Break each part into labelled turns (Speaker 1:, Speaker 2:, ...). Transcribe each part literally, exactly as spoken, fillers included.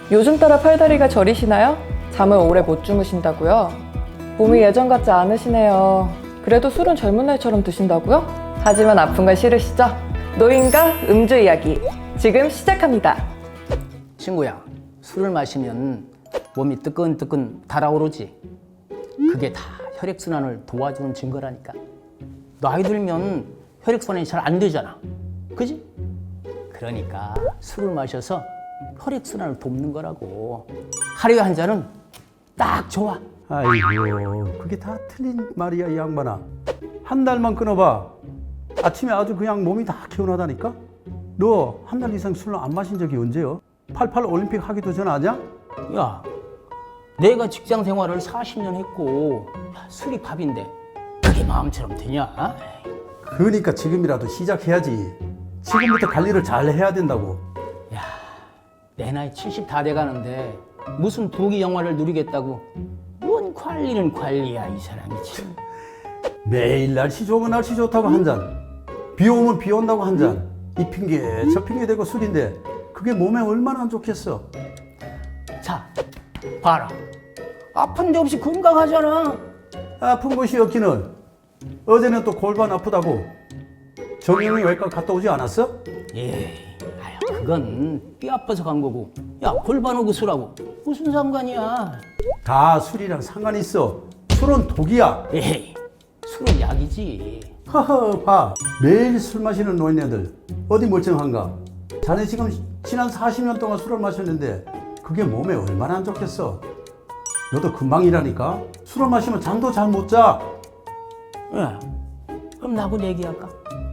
Speaker 1: 요즘 따라 팔다리가 저리시나요? 잠을 오래 못 주무신다고요? 몸이 예전 같지 않으시네요. 그래도 술은 젊은 날처럼 드신다고요? 하지만 아픈 건 싫으시죠? 노인과 음주 이야기 지금 시작합니다.
Speaker 2: 친구야, 술을 마시면 몸이 뜨끈뜨끈 달아오르지. 그게 다 혈액순환을 도와주는 증거라니까. 나이 들면 혈액순환이 잘 안 되잖아. 그지? 그러니까 술을 마셔서 혈액순환을 돕는 거라고. 하루에 한 잔은 딱 좋아.
Speaker 3: 아이고, 그게 다 틀린 말이야, 이 양반아. 한 달만 끊어봐. 아침에 아주 그냥 몸이 다 개운하다니까? 너 한 달 이상 술을 안 마신 적이 언제요? 팔십팔 올림픽 하기도 전 아냐?
Speaker 2: 야, 내가 직장 생활을 사십 년 했고 야, 술이 밥인데 그게 마음처럼 되냐?
Speaker 3: 그러니까 지금이라도 시작해야지. 지금부터 관리를 잘 해야 된다고.
Speaker 2: 야, 내 나이 칠십 다 돼가는데 무슨 부귀 영화를 누리겠다고 뭔 관리는 관리야, 이 사람이 참.
Speaker 3: 매일 날씨 좋으면 날씨 좋다고 한 잔, 비 오면 비 온다고 한 잔, 이 핑계 저 핑계 대고 술인데 그게 몸에 얼마나 안 좋겠어.
Speaker 2: 자, 봐라. 아픈 데 없이 건강하잖아.
Speaker 3: 아픈 곳이 없기는 어제는 또 골반 아프다고 정형외 외과 갔다 오지 않았어?
Speaker 2: 예, 아유, 그건 뼈 아파서 간 거고. 야, 골반 오고 술하고 무슨 상관이야?
Speaker 3: 다 술이랑 상관이 있어. 술은 독이야.
Speaker 2: 에이, 술은 약이지.
Speaker 3: 허허, 봐. 매일 술 마시는 노인네들 어디 멀쩡한가? 자네 지금 지난 사십 년 동안 술을 마셨는데 그게 몸에 얼마나 안 좋겠어. 너도 금방이라니까. 술을 마시면 잠도 잘 못 자.
Speaker 2: 야, 그럼 나하고 얘기할까?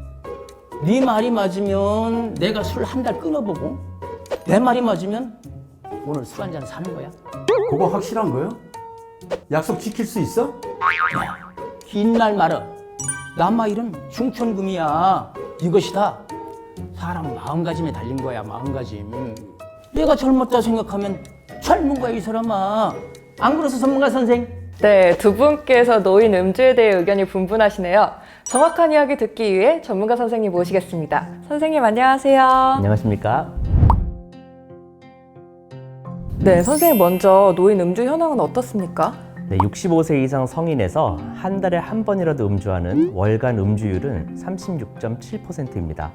Speaker 2: 네 말이 맞으면 내가 술 한 달 끊어보고, 내 말이 맞으면 오늘 술 한 잔 사는 거야.
Speaker 3: 그거 확실한 거요? 약속 지킬 수 있어?
Speaker 2: 야, 긴 날 말어. 남아일은 중천금이야. 이것이 다 사람 마음가짐에 달린 거야, 마음가짐. 내가 젊었다 생각하면 젊은 거야, 이 사람아. 안 그래서 전문가 선생?
Speaker 1: 네, 두 분께서 노인 음주에 대해 의견이 분분하시네요. 정확한 이야기 듣기 위해 전문가 선생님 모시겠습니다. 선생님 안녕하세요.
Speaker 4: 안녕하십니까?
Speaker 1: 네, 선생님 먼저 노인 음주 현황은 어떻습니까?
Speaker 4: 네, 육십오 세 이상 성인에서 한 달에 한 번이라도 음주하는 월간 음주율은 삼십육 점 칠 퍼센트입니다.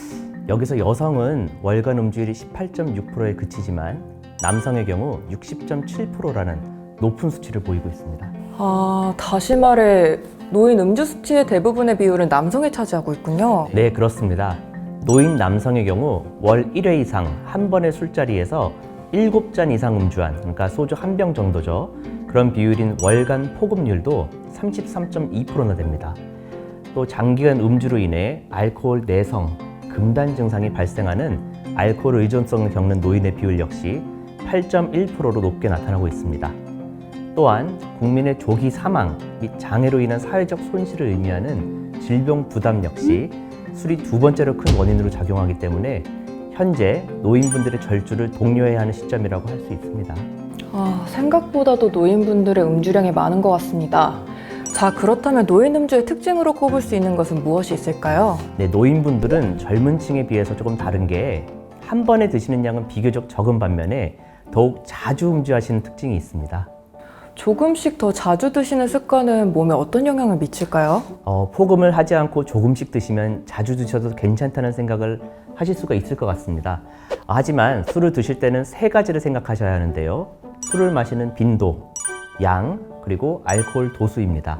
Speaker 4: 여기서 여성은 월간 음주율이 십팔 점 육 퍼센트에 그치지만 남성의 경우 육십 점 칠 퍼센트라는 높은 수치를 보이고 있습니다.
Speaker 1: 아, 다시 말해 노인 음주 수치의 대부분의 비율은 남성이 차지하고 있군요.
Speaker 4: 네, 그렇습니다. 노인 남성의 경우 월 일 회 이상 한 번의 술자리에서 일곱 잔 이상 음주한, 그러니까 소주 한 병 정도죠. 그런 비율인 월간 폭음률도 삼십삼 점 이 퍼센트나 됩니다. 또 장기간 음주로 인해 알코올 내성, 금단 증상이 발생하는 알코올 의존성을 겪는 노인의 비율 역시 팔 점 일 퍼센트로 높게 나타나고 있습니다. 또한 국민의 조기 사망 및 장애로 인한 사회적 손실을 의미하는 질병 부담 역시 술이 두 번째로 큰 원인으로 작용하기 때문에 현재 노인분들의 절주를 독려해야 하는 시점이라고 할 수 있습니다.
Speaker 1: 아, 생각보다도 노인분들의 음주량이 많은 것 같습니다. 자, 그렇다면 노인 음주의 특징으로 꼽을 수 있는 것은 무엇이 있을까요?
Speaker 4: 네, 노인분들은 젊은 층에 비해서 조금 다른 게 한 번에 드시는 양은 비교적 적은 반면에 더욱 자주 음주하시는 특징이 있습니다.
Speaker 1: 조금씩 더 자주 드시는 습관은 몸에 어떤 영향을 미칠까요?
Speaker 4: 어, 폭음을 하지 않고 조금씩 드시면 자주 드셔도 괜찮다는 생각을 하실 수가 있을 것 같습니다. 아, 하지만 술을 드실 때는 세 가지를 생각하셔야 하는데요. 술을 마시는 빈도, 양, 그리고 알코올 도수입니다.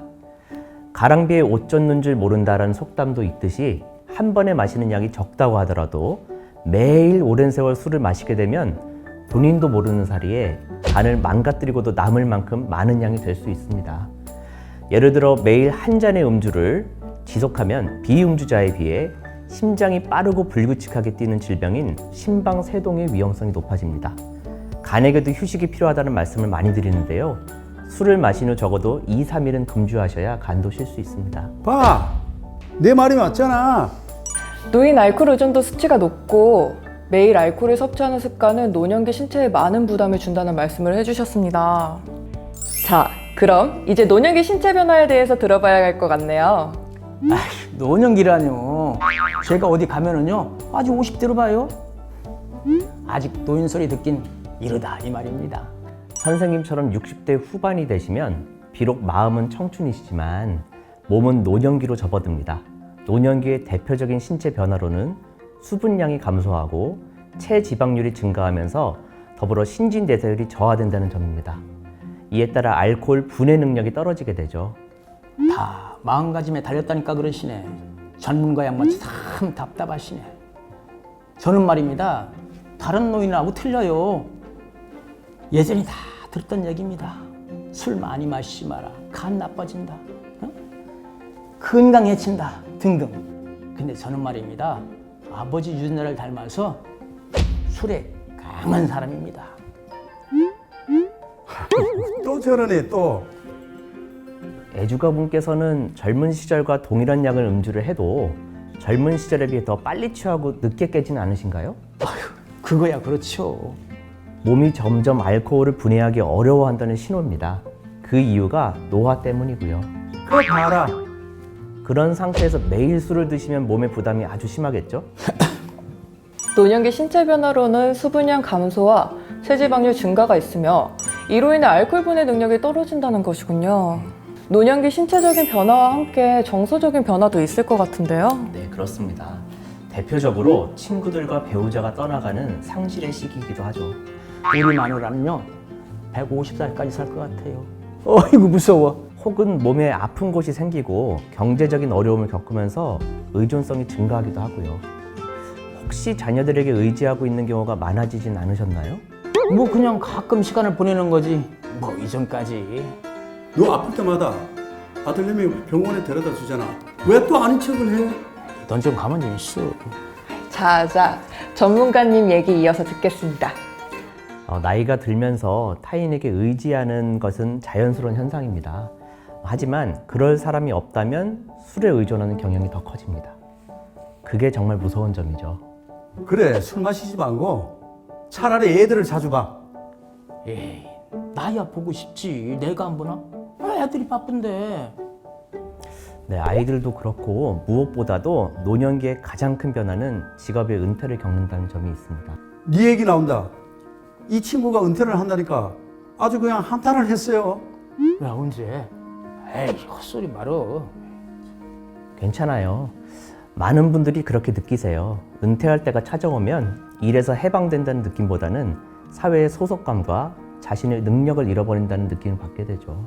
Speaker 4: 가랑비에 옷 젖는 줄 모른다라는 속담도 있듯이 한 번에 마시는 양이 적다고 하더라도 매일 오랜 세월 술을 마시게 되면 본인도 모르는 사이에 간을 망가뜨리고도 남을 만큼 많은 양이 될 수 있습니다. 예를 들어 매일 한 잔의 음주를 지속하면 비음주자에 비해 심장이 빠르고 불규칙하게 뛰는 질병인 심방세동의 위험성이 높아집니다. 간에게도 휴식이 필요하다는 말씀을 많이 드리는데요. 술을 마신 후 적어도 이, 삼 일은 금주하셔야 간도 쉴 수 있습니다.
Speaker 3: 봐, 내 말이 맞잖아.
Speaker 1: 노인 알코올 의존도 수치가 높고 매일 알코올을 섭취하는 습관은 노년기 신체에 많은 부담을 준다는 말씀을 해주셨습니다. 자, 그럼 이제 노년기 신체 변화에 대해서 들어봐야 할 것 같네요.
Speaker 2: 아휴, 노년기라뇨. 제가 어디 가면은요, 아직 오십 대로 봐요. 아직 노인 소리 듣긴 이르다 이 말입니다.
Speaker 4: 선생님처럼 육십 대 후반이 되시면 비록 마음은 청춘이시지만 몸은 노년기로 접어듭니다. 노년기의 대표적인 신체 변화로는 수분량이 감소하고 체지방률이 증가하면서 더불어 신진대사율이 저하된다는 점입니다. 이에 따라 알코올 분해 능력이 떨어지게 되죠.
Speaker 2: 다 마음가짐에 달렸다니까 그러시네. 전문가 양반이 참 답답하시네. 저는 말입니다. 다른 노인하고 틀려요. 예전에 다 들었던 얘기입니다. 술 많이 마시지 마라. 간 나빠진다. 어? 건강해진다. 등등. 근데 저는 말입니다. 아버지 유전자를 닮아서 술에 강한 사람입니다.
Speaker 3: 또 저러네 또.
Speaker 4: 애주가분께서는 젊은 시절과 동일한 양을 음주를 해도 젊은 시절에 비해 더 빨리 취하고 늦게 깨지는 않으신가요?
Speaker 2: 그거야 그렇죠.
Speaker 4: 몸이 점점 알코올을 분해하기 어려워한다는 신호입니다. 그 이유가 노화 때문이고요.
Speaker 3: 그거 봐라.
Speaker 4: 그런 상태에서 매일 술을 드시면 몸의 부담이 아주 심하겠죠?
Speaker 1: 노년기 신체 변화로는 수분량 감소와 체지방률 증가가 있으며 이로 인해 알코올 분해 능력이 떨어진다는 것이군요. 노년기 신체적인 변화와 함께 정서적인 변화도 있을 것 같은데요.
Speaker 4: 네, 그렇습니다. 대표적으로 친구들과 배우자가 떠나가는 상실의 시기이기도 하죠.
Speaker 2: 우리 마누라는요 백오십 살까지 살 것 같아요. 어이구 무서워.
Speaker 4: 혹은 몸에 아픈 곳이 생기고 경제적인 어려움을 겪으면서 의존성이 증가하기도 하고요. 혹시 자녀들에게 의지하고 있는 경우가 많아지진 않으셨나요?
Speaker 2: 뭐 그냥 가끔 시간을 보내는 거지 뭐 이전까지.
Speaker 3: 너 아플 때마다 아들내미 병원에 데려다 주잖아. 왜 또 아닌 척을 해?
Speaker 2: 넌 좀 가만 좀 있어.
Speaker 1: 자자, 전문가님 얘기 이어서 듣겠습니다.
Speaker 4: 어, 나이가 들면서 타인에게 의지하는 것은 자연스러운 현상입니다. 하지만 그럴 사람이 없다면 술에 의존하는 경향이 더 커집니다. 그게 정말 무서운 점이죠.
Speaker 3: 그래, 술 마시지 말고 차라리 애들을 자주 봐.
Speaker 2: 에이 나야 보고 싶지 내가 안 보나? 아, 애들이 바쁜데.
Speaker 4: 네, 아이들도 그렇고 무엇보다도 노년기의 가장 큰 변화는 직업의 은퇴를 겪는다는 점이 있습니다.
Speaker 3: 네 얘기 나온다. 이 친구가 은퇴를 한다니까 아주 그냥 한탄을 했어요.
Speaker 2: 야 언제? 에이 헛소리 말어.
Speaker 4: 괜찮아요. 많은 분들이 그렇게 느끼세요. 은퇴할 때가 찾아오면 일에서 해방된다는 느낌보다는 사회의 소속감과 자신의 능력을 잃어버린다는 느낌을 받게 되죠.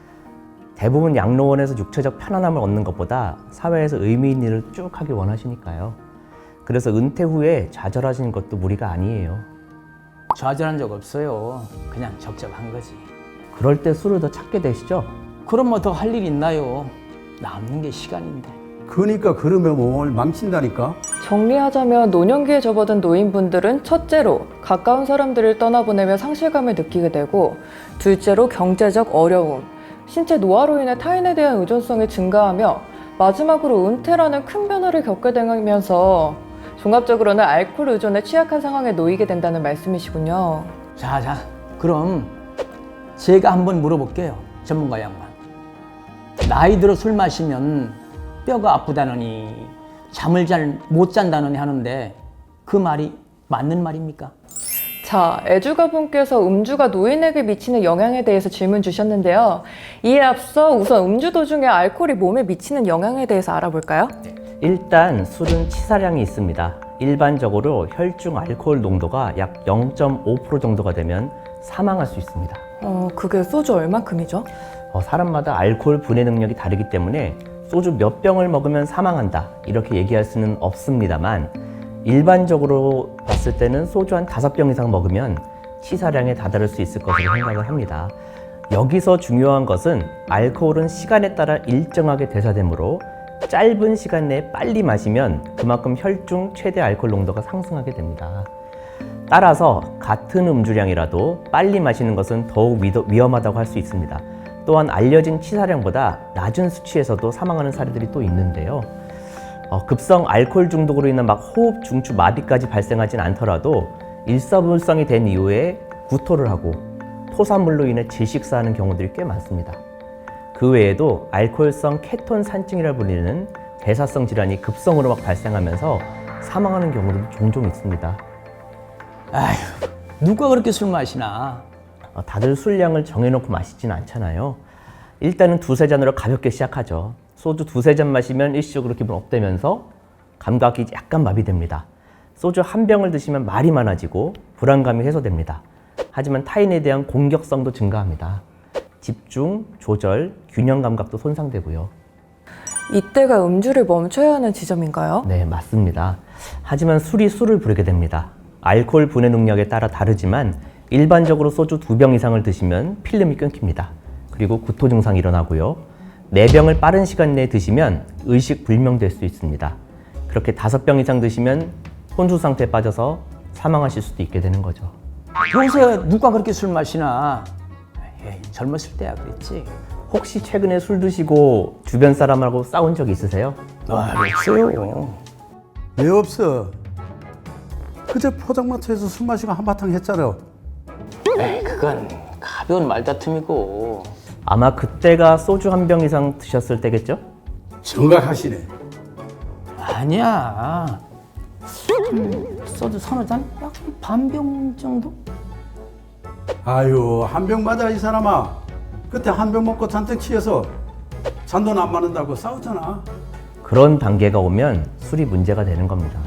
Speaker 4: 대부분 양로원에서 육체적 편안함을 얻는 것보다 사회에서 의미 있는 일을 쭉 하길 원하시니까요. 그래서 은퇴 후에 좌절하시는 것도 무리가 아니에요.
Speaker 2: 좌절한 적 없어요. 그냥 적적한 거지.
Speaker 4: 그럴 때 술을 더 찾게 되시죠?
Speaker 2: 그럼 뭐 더 할 일 있나요? 남는 게 시간인데.
Speaker 3: 그러니까 그러면 몸을 망친다니까.
Speaker 1: 정리하자면 노년기에 접어든 노인분들은 첫째로 가까운 사람들을 떠나보내며 상실감을 느끼게 되고, 둘째로 경제적 어려움, 신체 노화로 인해 타인에 대한 의존성이 증가하며 마지막으로 은퇴라는 큰 변화를 겪게 되면서 종합적으로는 알코올 의존에 취약한 상황에 놓이게 된다는 말씀이시군요.
Speaker 2: 자자 그럼 제가 한번 물어볼게요. 전문가 양반. 나이 들어 술 마시면 뼈가 아프다느니 잠을 잘 못 잔다느니 하는데 그 말이 맞는 말입니까?
Speaker 1: 자, 애주가분께서 음주가 노인에게 미치는 영향에 대해서 질문 주셨는데요. 이에 앞서 우선 음주 도중에 알코올이 몸에 미치는 영향에 대해서 알아볼까요?
Speaker 4: 일단 술은 치사량이 있습니다. 일반적으로 혈중 알코올 농도가 약 영 점 오 퍼센트 정도가 되면 사망할 수 있습니다.
Speaker 1: 어, 그게 소주 얼만큼이죠?
Speaker 4: 어, 사람마다 알코올 분해 능력이 다르기 때문에 소주 몇 병을 먹으면 사망한다 이렇게 얘기할 수는 없습니다만, 일반적으로 봤을 때는 소주 한 다섯 병 이상 먹으면 치사량에 다다를 수 있을 것으로 생각을 합니다. 여기서 중요한 것은 알코올은 시간에 따라 일정하게 대사되므로 짧은 시간 내에 빨리 마시면 그만큼 혈중 최대 알코올 농도가 상승하게 됩니다. 따라서 같은 음주량이라도 빨리 마시는 것은 더욱 위험하다고 할 수 있습니다. 또한 알려진 치사량보다 낮은 수치에서도 사망하는 사례들이 또 있는데요. 어, 급성 알코올 중독으로 인한 막 호흡 중추 마비까지 발생하진 않더라도 일사불성이 된 이후에 구토를 하고 토사물로 인해 질식사하는 경우들이 꽤 많습니다. 그 외에도 알코올성 케톤 산증이라 불리는 대사성 질환이 급성으로 막 발생하면서 사망하는 경우도 종종 있습니다.
Speaker 2: 아휴 누가 그렇게 술 마시나?
Speaker 4: 어, 다들 술량을 정해놓고 마시진 않잖아요. 일단은 두세 잔으로 가볍게 시작하죠. 소주 두세 잔 마시면 일시적으로 기분 업되면서 감각이 약간 마비됩니다. 소주 한 병을 드시면 말이 많아지고 불안감이 해소됩니다. 하지만 타인에 대한 공격성도 증가합니다. 집중, 조절, 균형 감각도 손상되고요.
Speaker 1: 이때가 음주를 멈춰야 하는 지점인가요?
Speaker 4: 네, 맞습니다. 하지만 술이 술을 부르게 됩니다. 알코올 분해 능력에 따라 다르지만 일반적으로 소주 두 병 이상을 드시면 필름이 끊깁니다. 그리고 구토 증상이 일어나고요. 네 병을 빠른 시간 내에 드시면 의식 불명될 수 있습니다. 그렇게 다섯 병 이상 드시면 혼수 상태에 빠져서 사망하실 수도 있게 되는 거죠.
Speaker 2: 요새 누가 그렇게 술 마시나? 에이, 젊었을 때야 그랬지.
Speaker 4: 혹시 최근에 술 드시고 주변 사람하고 싸운 적 있으세요?
Speaker 2: 아, 없어요.
Speaker 3: 왜 없어? 그제 포장마차에서 술 마시고 한바탕 했잖아.
Speaker 2: 에이, 그건 가벼운 말다툼이고.
Speaker 4: 아마 그때가 소주 한 병 이상 드셨을 때겠죠?
Speaker 3: 정각하시네.
Speaker 2: 아니야. 음, 소주 서너 잔? 약 반 병 정도?
Speaker 3: 아유, 한 병 맞아 이 사람아. 그때 한 병 먹고 잔뜩 취해서 잔돈 안 맞는다고 싸웠잖아.
Speaker 4: 그런 단계가 오면 술이 문제가 되는 겁니다.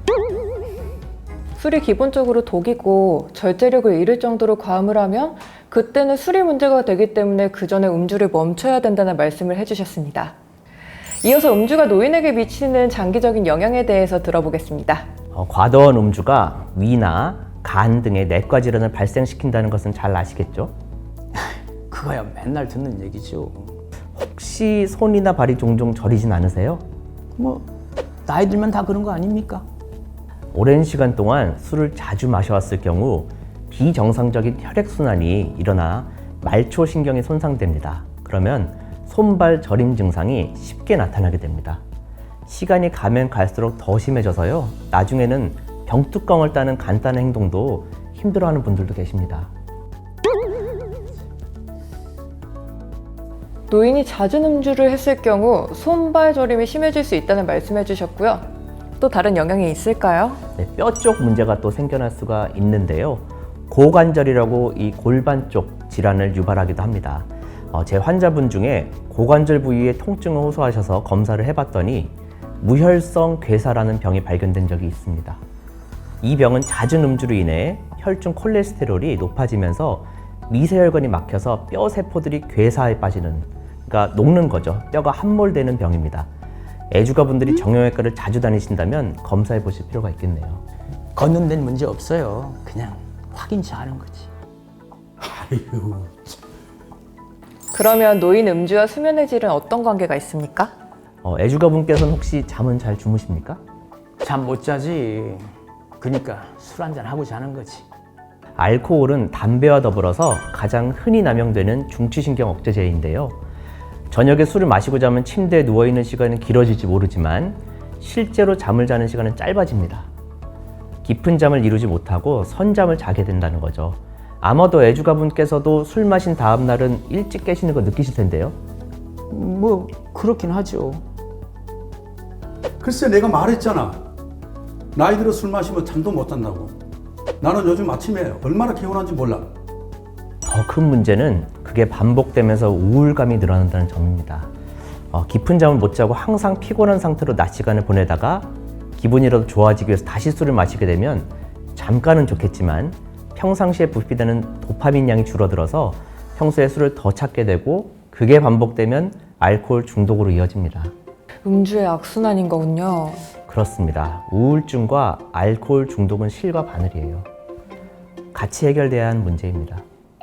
Speaker 1: 술이 기본적으로 독이고 절제력을 잃을 정도로 과음을 하면 그때는 술이 문제가 되기 때문에 그 전에 음주를 멈춰야 된다는 말씀을 해주셨습니다. 이어서 음주가 노인에게 미치는 장기적인 영향에 대해서 들어보겠습니다.
Speaker 4: 어, 과도한 음주가 위나 간 등의 내과 질환을 발생시킨다는 것은 잘 아시겠죠?
Speaker 2: 그거야 맨날 듣는 얘기죠.
Speaker 4: 혹시 손이나 발이 종종 저리진 않으세요?
Speaker 2: 뭐 나이 들면 다 그런 거 아닙니까?
Speaker 4: 오랜 시간 동안 술을 자주 마셔왔을 경우 비정상적인 혈액순환이 일어나 말초신경이 손상됩니다. 그러면 손발 저림 증상이 쉽게 나타나게 됩니다. 시간이 가면 갈수록 더 심해져서요. 나중에는 병뚜껑을 따는 간단한 행동도 힘들어하는 분들도 계십니다.
Speaker 1: 노인이 잦은 음주를 했을 경우 손발 저림이 심해질 수 있다는 말씀해 주셨고요. 또 다른 영향이 있을까요?
Speaker 4: 네, 뼈 쪽 문제가 또 생겨날 수가 있는데요. 고관절이라고 이 골반 쪽 질환을 유발하기도 합니다. 어, 제 환자분 중에 고관절 부위에 통증을 호소하셔서 검사를 해봤더니 무혈성 괴사라는 병이 발견된 적이 있습니다. 이 병은 잦은 음주로 인해 혈중 콜레스테롤이 높아지면서 미세혈관이 막혀서 뼈 세포들이 괴사에 빠지는, 그러니까 녹는 거죠. 뼈가 함몰되는 병입니다. 애주가분들이 정형외과를 자주 다니신다면 검사해 보실 필요가 있겠네요.
Speaker 2: 걷는 데는 문제 없어요. 그냥 확인치 하는 거지.
Speaker 3: 아유,
Speaker 1: 그러면 노인 음주와 수면의 질은 어떤 관계가 있습니까?
Speaker 4: 어, 애주가분께서는 혹시 잠은 잘 주무십니까?
Speaker 2: 잠 못 자지. 그러니까 술 한잔 하고 자는 거지.
Speaker 4: 알코올은 담배와 더불어서 가장 흔히 남용되는 중추신경 억제제인데요. 저녁에 술을 마시고 자면 침대에 누워있는 시간은 길어질지 모르지만 실제로 잠을 자는 시간은 짧아집니다. 깊은 잠을 이루지 못하고 선잠을 자게 된다는 거죠. 아마도 애주가분께서도 술 마신 다음 날은 일찍 깨시는 거 느끼실 텐데요.
Speaker 2: 뭐 그렇긴 하죠.
Speaker 3: 글쎄 내가 말했잖아. 나이 들어 술 마시면 잠도 못 잔다고. 나는 요즘 아침에 얼마나 개운한지 몰라.
Speaker 4: 더 큰 문제는 그게 반복되면서 우울감이 늘어난다는 점입니다. 어, 깊은 잠을 못 자고 항상 피곤한 상태로 낮 시간을 보내다가 기분이라도 좋아지기 위해서 다시 술을 마시게 되면 잠깐은 좋겠지만 평상시에 분비되는 도파민 양이 줄어들어서 평소에 술을 더 찾게 되고 그게 반복되면 알코올 중독으로 이어집니다.
Speaker 1: 음주의 악순환인 거군요.
Speaker 4: 그렇습니다. 우울증과 알코올 중독은 실과 바늘이에요. 같이 해결돼야 하는 문제입니다.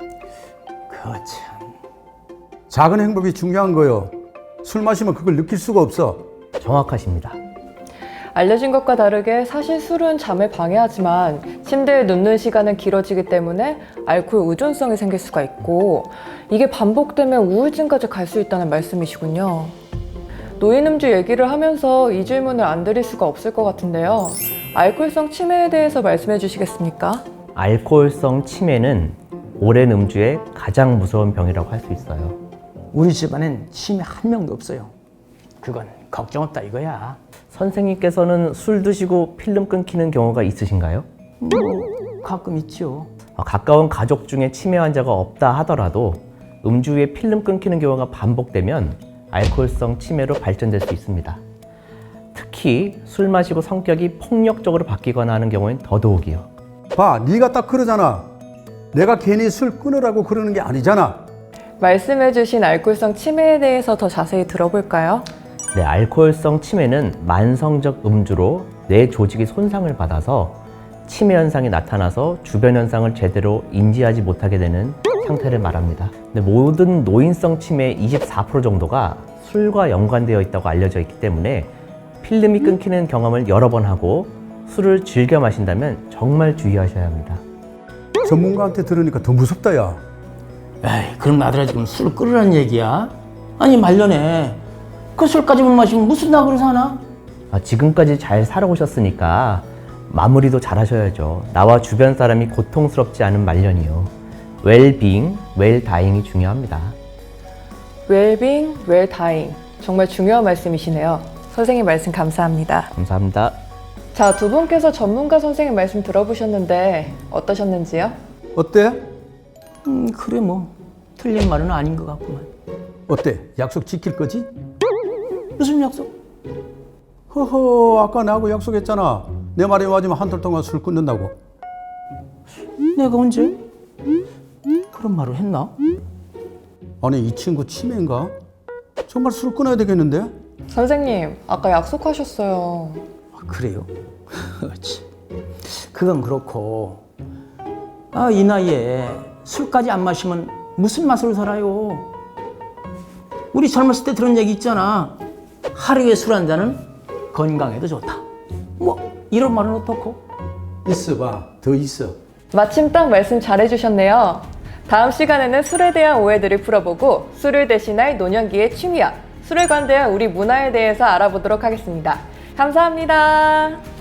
Speaker 2: 그참.
Speaker 3: 작은 행복이 중요한 거요. 술 마시면 그걸 느낄 수가 없어.
Speaker 4: 정확하십니다.
Speaker 1: 알려진 것과 다르게 사실 술은 잠을 방해하지만 침대에 눕는 시간은 길어지기 때문에 알코올 의존성이 생길 수가 있고 이게 반복되면 우울증까지 갈 수 있다는 말씀이시군요. 노인 음주 얘기를 하면서 이 질문을 안 드릴 수가 없을 것 같은데요. 알코올성 치매에 대해서 말씀해 주시겠습니까?
Speaker 4: 알코올성 치매는 오랜 음주의 가장 무서운 병이라고 할 수 있어요.
Speaker 2: 우리 집안엔 치매 한 명도 없어요. 그건 걱정 없다 이거야.
Speaker 4: 선생님께서는 술 드시고 필름 끊기는 경우가 있으신가요?
Speaker 2: 뭐 가끔 있죠.
Speaker 4: 어, 가까운 가족 중에 치매 환자가 없다 하더라도 음주 후에 필름 끊기는 경우가 반복되면 알코올성 치매로 발전될 수 있습니다. 특히 술 마시고 성격이 폭력적으로 바뀌거나 하는 경우엔 더더욱이요.
Speaker 3: 봐, 네가 딱 그러잖아. 내가 괜히 술 끊으라고 그러는 게 아니잖아.
Speaker 1: 말씀해주신 알코올성 치매에 대해서 더 자세히 들어볼까요?
Speaker 4: 네, 알코올성 치매는 만성적 음주로 뇌 조직이 손상을 받아서 치매 현상이 나타나서 주변 현상을 제대로 인지하지 못하게 되는 상태를 말합니다. 근데 모든 노인성 치매의 이십사 퍼센트 정도가 술과 연관되어 있다고 알려져 있기 때문에 필름이 끊기는 경험을 여러 번 하고 술을 즐겨 마신다면 정말 주의하셔야 합니다.
Speaker 3: 전문가한테 들으니까 더 무섭다, 야.
Speaker 2: 에이, 그럼 나들아 지금 술 끓으라는 얘기야? 아니 말년에 그 술까지 못 마시면 무슨 낙으로 사나?
Speaker 4: 아, 지금까지 잘 살아오셨으니까 마무리도 잘 하셔야죠. 나와 주변 사람이 고통스럽지 않은 말년이요. 웰빙, 웰다잉이 중요합니다.
Speaker 1: 웰빙, 웰다잉. 정말 중요한 말씀이시네요. 선생님 말씀 감사합니다.
Speaker 4: 감사합니다.
Speaker 1: 자, 두 분께서 전문가 선생님 말씀 들어보셨는데 어떠셨는지요?
Speaker 3: 어때?
Speaker 2: 음 그래 뭐 틀린 말은 아닌 것 같구만.
Speaker 3: 어때? 약속 지킬 거지?
Speaker 2: 무슨 약속?
Speaker 3: 허허, 아까 나하고 약속했잖아. 내 말이 맞으면 한 달 동안 술 끊는다고.
Speaker 2: 내가 언제 그런 말을 했나?
Speaker 3: 아니, 이 친구 치매인가? 정말 술 끊어야 되겠는데?
Speaker 1: 선생님, 아까 약속하셨어요.
Speaker 2: 아, 그래요? 참. 그건 그렇고 아, 이 나이에 술까지 안 마시면 무슨 맛으로 살아요? 우리 젊었을 때 들은 얘기 있잖아. 하루에 술 한 잔은 건강에도 좋다. 뭐 이런 말은 어떻고?
Speaker 3: 있어봐, 더 있어.
Speaker 1: 마침 딱 말씀 잘해주셨네요. 다음 시간에는 술에 대한 오해들을 풀어보고 술을 대신할 노년기의 취미와 술에 관대한 우리 문화에 대해서 알아보도록 하겠습니다. 감사합니다.